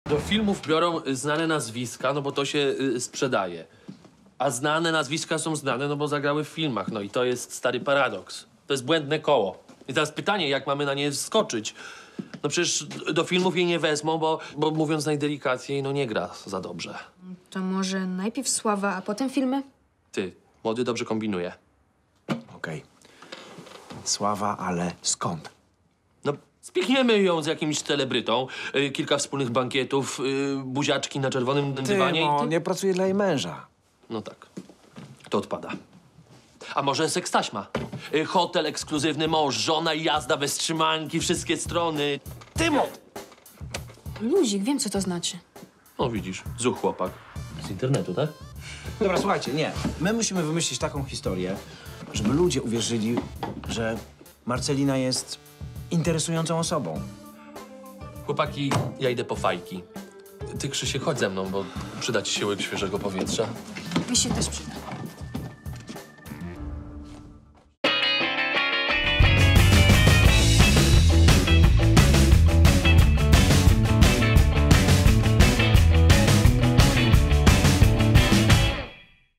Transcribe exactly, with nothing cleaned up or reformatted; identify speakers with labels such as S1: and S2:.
S1: Do filmów biorą znane nazwiska, no bo to się y, sprzedaje. A znane nazwiska są znane, no bo zagrały w filmach. No i to jest stary paradoks. To jest błędne koło. I teraz pytanie, jak mamy na nie wskoczyć? No przecież do filmów jej nie wezmą, bo, bo mówiąc najdelikatniej, no nie gra za dobrze.
S2: To może najpierw sława, a potem filmy?
S1: Ty, młody dobrze kombinuje.
S3: Okej. Sława, ale skąd?
S1: No, spichniemy ją z jakimś celebrytą, y, kilka wspólnych bankietów, y, buziaczki na czerwonym dywanie.
S3: Ty,
S1: i
S3: no,
S1: ty...
S3: nie pracuje dla jej męża.
S1: No tak. To odpada. A może sekstaśma? Y, hotel ekskluzywny, mąż, żona i jazda bez trzymanki, wszystkie strony.
S3: Tymo!
S2: Luzik, wiem, co to znaczy.
S1: No widzisz, zuch chłopak. Z internetu, tak?
S3: Dobra, słuchajcie, nie. My musimy wymyślić taką historię, żeby ludzie uwierzyli, że Marcelina jest interesującą osobą.
S1: Chłopaki, ja idę po fajki. Ty, Krzysiek, chodź ze mną, bo przyda ci się łyk świeżego powietrza.
S2: Mi się też przyda.